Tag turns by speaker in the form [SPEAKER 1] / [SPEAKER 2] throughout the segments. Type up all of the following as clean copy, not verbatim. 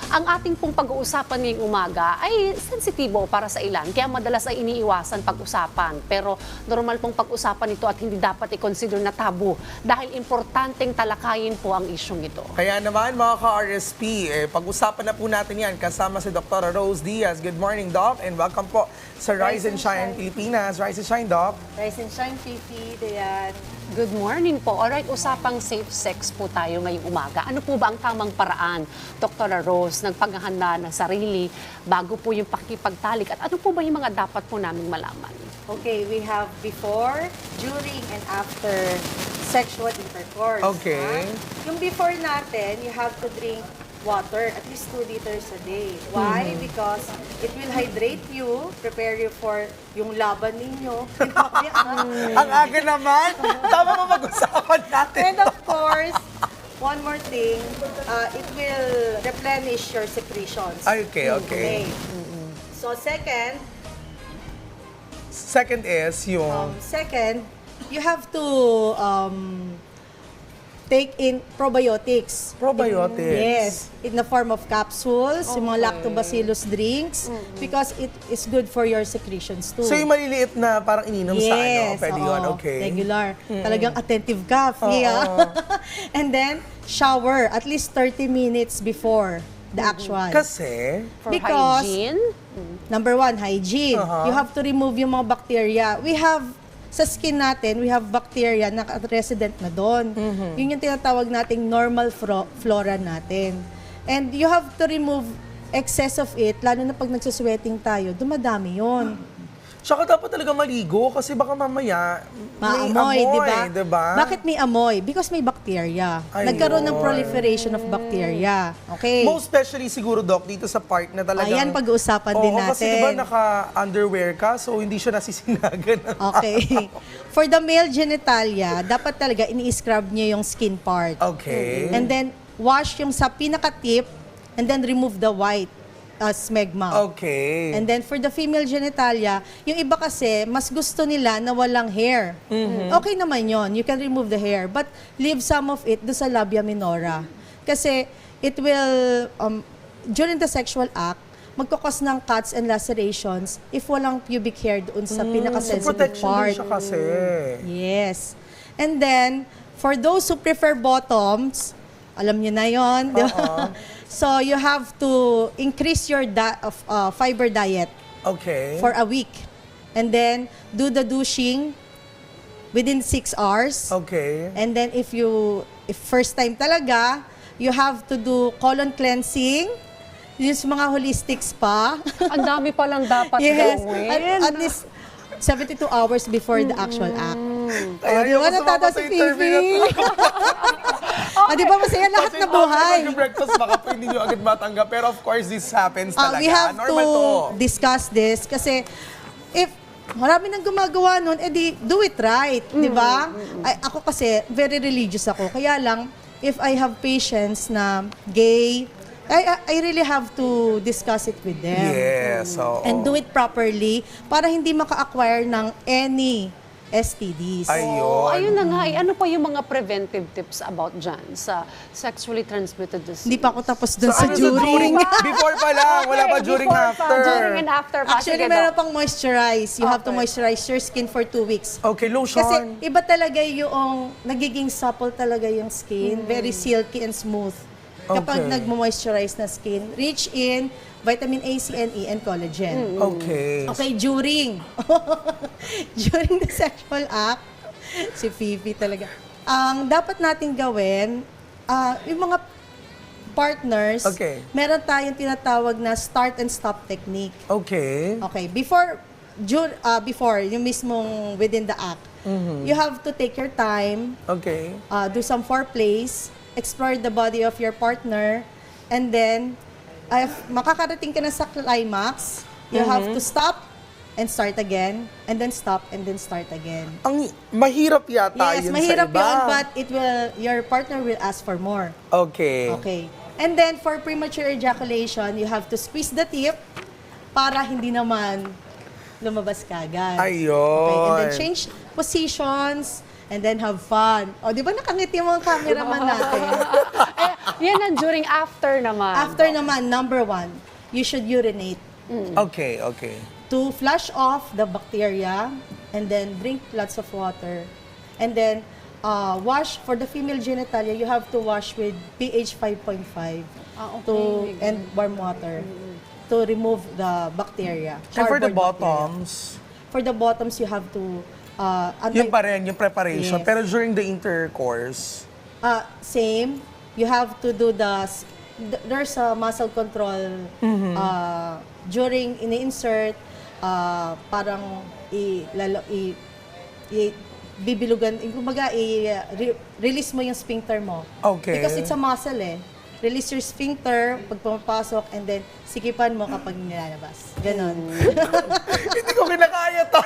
[SPEAKER 1] Ang ating pong pag-uusapan ngayong umaga ay sensitibo para sa ilan, kaya madalas ay iniiwasan pag-usapan. Pero normal pong pag-usapan ito at hindi dapat i-consider na tabu dahil importanteng talakayin po ang isyong ito.
[SPEAKER 2] Kaya naman mga ka-RSP, pag-usapan na po natin yan kasama si Dr. Rose Diaz. Good morning, Doc, and welcome po sa Rise and Shine Pilipinas. Rise and Shine, Doc.
[SPEAKER 3] Rise and Shine, Fifi, Dayan.
[SPEAKER 1] Good morning po. Alright, usapang safe sex po tayo ngayong umaga. Ano po ba ang tamang paraan, Dr. Rose, ng paghahanda ng sarili bago po yung pakikipagtalik? At ano po ba yung mga dapat po naming malaman?
[SPEAKER 3] Okay, we have before, during, and after sexual intercourse.
[SPEAKER 2] Okay.
[SPEAKER 3] Yung before natin, you have to drink water, at least 2 liters a day. Why? Because it will hydrate you, prepare you for yung laban ninyo.
[SPEAKER 2] Ang aga naman. Tama mo mag-usapan natin.
[SPEAKER 3] And of course, one more thing, it will replenish your secretions.
[SPEAKER 2] Okay.
[SPEAKER 3] So second,
[SPEAKER 2] Second is yung...
[SPEAKER 3] second, you have to take in probiotics.
[SPEAKER 2] Probiotics.
[SPEAKER 3] Yes, in the form of capsules, yung mga lactobacillus drinks, because it is good for your secretions too.
[SPEAKER 2] So yung maliliit na parang ininom sa ano,
[SPEAKER 3] Yes,
[SPEAKER 2] pwede yun,
[SPEAKER 3] oo,
[SPEAKER 2] okay.
[SPEAKER 3] regular. Talagang attentive ka, Fia. And then, shower at least 30 minutes before the actual.
[SPEAKER 2] Kasi,
[SPEAKER 1] For
[SPEAKER 3] Because-
[SPEAKER 1] hygiene?
[SPEAKER 3] Number 1, hygiene. You have to remove yung mga bacteria. We have, sa skin natin, we have bacteria na resident na doon. Yun yung tinatawag nating normal flora natin. And you have to remove excess of it, lalo na pag nagsusweating tayo, dumadami yun.
[SPEAKER 2] tsaka dapat talaga maligo kasi baka mamaya may
[SPEAKER 3] Maamoy,
[SPEAKER 2] amoy,
[SPEAKER 3] di ba? Bakit may amoy? Because may bacteria.
[SPEAKER 2] Ayun.
[SPEAKER 3] Nagkaroon ng proliferation of bacteria. Okay?
[SPEAKER 2] Most especially siguro, Doc, dito sa part na talagang...
[SPEAKER 3] Ayan, pag-uusapan din natin.
[SPEAKER 2] Kasi diba naka-underwear ka, so hindi siya nasisinagan.
[SPEAKER 3] Okay. For the male genitalia, dapat talaga ini-scrub niyo yung skin part.
[SPEAKER 2] Okay.
[SPEAKER 3] And then, wash yung sa pinaka-tip, and then remove the white smegma.
[SPEAKER 2] Okay.
[SPEAKER 3] And then, for the female genitalia, yung iba kasi, mas gusto nila na walang hair. Okay naman yon, you can remove the hair, but leave some of it do sa labia minora. Kasi, it will, during the sexual act, magkakos ng cuts and lacerations if walang pubic hair doon sa
[SPEAKER 2] So
[SPEAKER 3] pinaka-sensitive
[SPEAKER 2] protection din
[SPEAKER 3] part.
[SPEAKER 2] siya kasi.
[SPEAKER 3] Yes. And then, for those who prefer bottoms, alam niyo na yon, di ba? So, you have to increase your fiber diet
[SPEAKER 2] Okay.
[SPEAKER 3] for a week. And then, do the douching within 6 hours.
[SPEAKER 2] Okay.
[SPEAKER 3] And then, if first time talaga, you have to do colon cleansing, use mga holistic spa.
[SPEAKER 1] Ang dami palang dapat
[SPEAKER 3] Yes,
[SPEAKER 1] gawin.
[SPEAKER 3] at least 72 hours before the actual act.
[SPEAKER 2] Kaya
[SPEAKER 3] di ba natatawa si Fifi? Di ba masaya lahat na buhay?
[SPEAKER 2] Kasi breakfast baka po hindi nyo agad matanggap. Pero of course, this happens talaga.
[SPEAKER 3] We have
[SPEAKER 2] Normal to.
[SPEAKER 3] discuss this kasi if marami nang gumagawa nun, edi do it right, di ba? Ako kasi, very religious ako. Kaya lang, if I have patients na gay, I really have to discuss it with them.
[SPEAKER 2] Yes. So,
[SPEAKER 3] And do it properly para hindi maka-acquire ng any STDs.
[SPEAKER 1] Oh, ayun na nga. Ano pa yung mga preventive tips about dyan sa sexually transmitted disease?
[SPEAKER 3] Hindi pa ako tapos dun sa
[SPEAKER 2] ano
[SPEAKER 3] during.
[SPEAKER 2] Before pa lang. Wala pa during
[SPEAKER 1] Before pa,
[SPEAKER 2] after.
[SPEAKER 1] During and after pa.
[SPEAKER 3] Actually,
[SPEAKER 1] Sige,
[SPEAKER 3] meron
[SPEAKER 1] Doc.
[SPEAKER 3] pang moisturize. You have to
[SPEAKER 1] Okay.
[SPEAKER 3] moisturize your skin for 2 weeks.
[SPEAKER 2] Okay, lotion.
[SPEAKER 3] Kasi iba talaga yung nagiging supple talaga yung skin. Very silky and smooth. Kapag
[SPEAKER 2] Okay.
[SPEAKER 3] nag-moisturize na skin, rich in vitamin A, C, and E, and collagen.
[SPEAKER 2] Okay.
[SPEAKER 3] Okay, during. During the sexual act, si Fifi talaga. Ang dapat natin gawin, yung mga partners,
[SPEAKER 2] Okay.
[SPEAKER 3] meron tayong tinatawag na start and stop technique.
[SPEAKER 2] Okay.
[SPEAKER 3] Okay, before yung mismong within the act, you have to take your time,
[SPEAKER 2] Okay.
[SPEAKER 3] do some foreplays, explore the body of your partner, and then, if makakarating ka na sa climax, you have to stop and start again, and then stop and then start again.
[SPEAKER 2] Ang mahirap yata
[SPEAKER 3] Yes,
[SPEAKER 2] yun
[SPEAKER 3] mahirap
[SPEAKER 2] sa iba.
[SPEAKER 3] yun, but your partner will ask for more.
[SPEAKER 2] Okay.
[SPEAKER 3] Okay. And then, for premature ejaculation, you have to squeeze the tip para hindi naman lumabas ka agad.
[SPEAKER 2] Ayun.
[SPEAKER 3] Okay, and then change positions, and then have fun. O, di ba nakangiti mo ang cameraman natin?
[SPEAKER 1] Yan ang during after naman.
[SPEAKER 3] After naman, number 1, you should urinate
[SPEAKER 2] Okay, okay.
[SPEAKER 3] to flush off the bacteria and then drink lots of water. And then wash for the female genitalia, you have to wash with pH 5.5
[SPEAKER 1] Okay.
[SPEAKER 3] and warm water to remove the bacteria.
[SPEAKER 2] And for the
[SPEAKER 3] Cardboard bacteria.
[SPEAKER 2] bottoms,
[SPEAKER 3] For the bottoms, you have to
[SPEAKER 2] yun pa rin, yung preparation.
[SPEAKER 3] Yes.
[SPEAKER 2] Pero during the intercourse,
[SPEAKER 3] same. You have to do there's a muscle control during ini-insert, parang bibilugan, kumbaga release mo yung sphincter mo.
[SPEAKER 2] Okay.
[SPEAKER 3] Because it's a muscle eh. Release your sphincter pag pumapasok and then sikipan mo kapag nilalabas. Ganon.
[SPEAKER 2] hindi ko kinakaya to.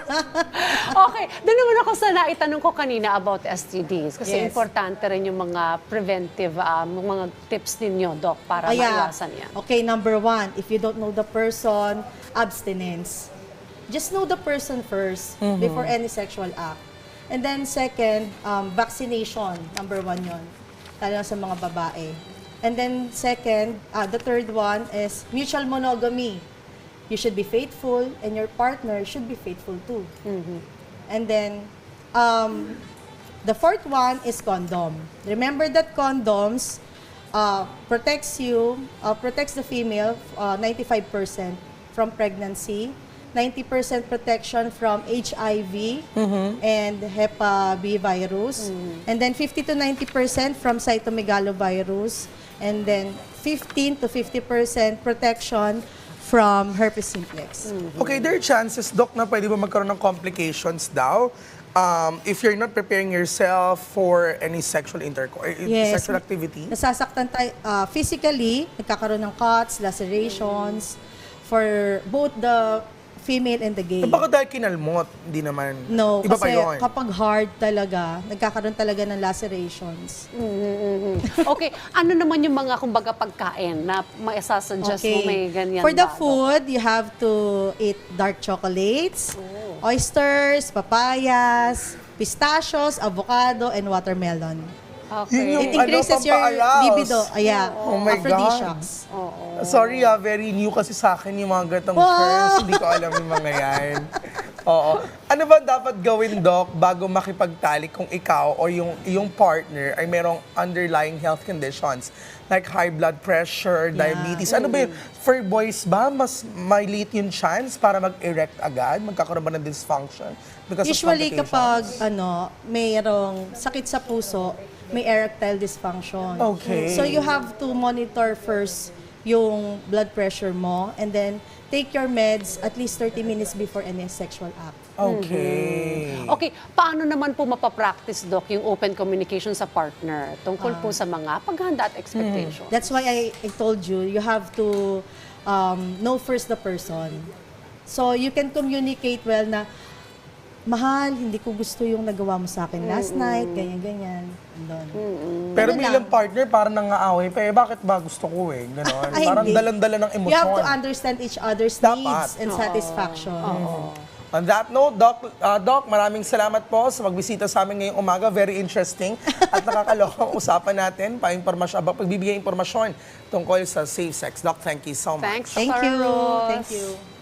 [SPEAKER 1] Okay, doon naman ako sa naitanong ko kanina about STDs. Kasi
[SPEAKER 3] Yes.
[SPEAKER 1] importante rin yung mga preventive, mga tips ninyo, Doc, para maiwasan yan.
[SPEAKER 3] Okay, number 1, if you don't know the person, abstinence. Just know the person first before any sexual act. And then second, vaccination. Number 1 yon, lalo na sa mga babae. And then second, the third one is mutual monogamy. You should be faithful and your partner should be faithful too. And then the fourth one is condom. Remember that condoms protects the female 95% from pregnancy, 90% protection from HIV and Hep B virus, and then 50 to 90% from cytomegalovirus, and then 15 to 50% protection from herpes simplex.
[SPEAKER 2] Okay, there are chances, Doc, na pwede ba magkaroon ng complications daw if you're not preparing yourself for any sexual intercourse, sexual activity?
[SPEAKER 3] Nasasaktan tayo physically, nagkakaroon ng cuts, lacerations for both the female and the gay.
[SPEAKER 2] Baka dahil kinalmot, hindi naman.
[SPEAKER 3] No,
[SPEAKER 2] Iba pa
[SPEAKER 3] kasi
[SPEAKER 2] yun.
[SPEAKER 3] kapag hard talaga, nagkakaroon talaga ng lacerations.
[SPEAKER 1] Okay, ano naman yung mga, kumbaga, pagkain na maisasuggest mo may ganyan
[SPEAKER 3] For the
[SPEAKER 1] ba, Doc?
[SPEAKER 3] food, you have to eat dark chocolates, oysters, papayas, pistachios, avocado, and watermelon.
[SPEAKER 1] Okay.
[SPEAKER 2] Yun yung
[SPEAKER 3] It increases your
[SPEAKER 2] pampaalas.
[SPEAKER 3] libido.
[SPEAKER 2] Oh my
[SPEAKER 3] Aphrodisiacs.
[SPEAKER 2] Sorry very new kasi sa akin yung mga gatong
[SPEAKER 3] Wow!
[SPEAKER 2] terms. Hindi ko alam yung mga yan. Oo. Ano ba dapat gawin, Doc, bago makipagtalik kung ikaw o yung partner ay merong underlying health conditions like high blood pressure, diabetes? Ano ba yun? For boys ba, mas may late yung chance para mag-erect agad? Magkakaroon ba ng dysfunction because
[SPEAKER 3] Usually
[SPEAKER 2] of complications?
[SPEAKER 3] kapag mayroong sakit sa puso, may erectile dysfunction.
[SPEAKER 2] Okay.
[SPEAKER 3] So you have to monitor first yung blood pressure mo and then take your meds at least 30 minutes before any sexual act.
[SPEAKER 2] Okay.
[SPEAKER 1] Okay, paano naman po mapapractice, Doc, yung open communication sa partner tungkol po sa mga paghahanda at expectation?
[SPEAKER 3] That's why I told you, you have to know first the person. So you can communicate well na, mahal, hindi ko gusto yung nagawa mo sa akin last night, ganyan-ganyan.
[SPEAKER 2] Pero
[SPEAKER 3] Ano
[SPEAKER 2] bilang
[SPEAKER 3] lang?
[SPEAKER 2] partner, parang nangaaway pa bakit ba gusto ko Ganon.
[SPEAKER 3] Ay,
[SPEAKER 2] Parang
[SPEAKER 3] hindi.
[SPEAKER 2] dalan-dala ng emosyon.
[SPEAKER 3] You have to understand each other's
[SPEAKER 2] Dapat.
[SPEAKER 3] needs and satisfaction.
[SPEAKER 2] On that note, Doc, maraming salamat po sa magbisita sa amin ngayong umaga. Very interesting at nakakalokang usapan natin, pagbibigay impormasyon tungkol sa safe sex. Doc, thank you so much.
[SPEAKER 1] Thanks,
[SPEAKER 3] Thank
[SPEAKER 1] Dr.
[SPEAKER 3] you.
[SPEAKER 1] Rose.
[SPEAKER 3] Thank you.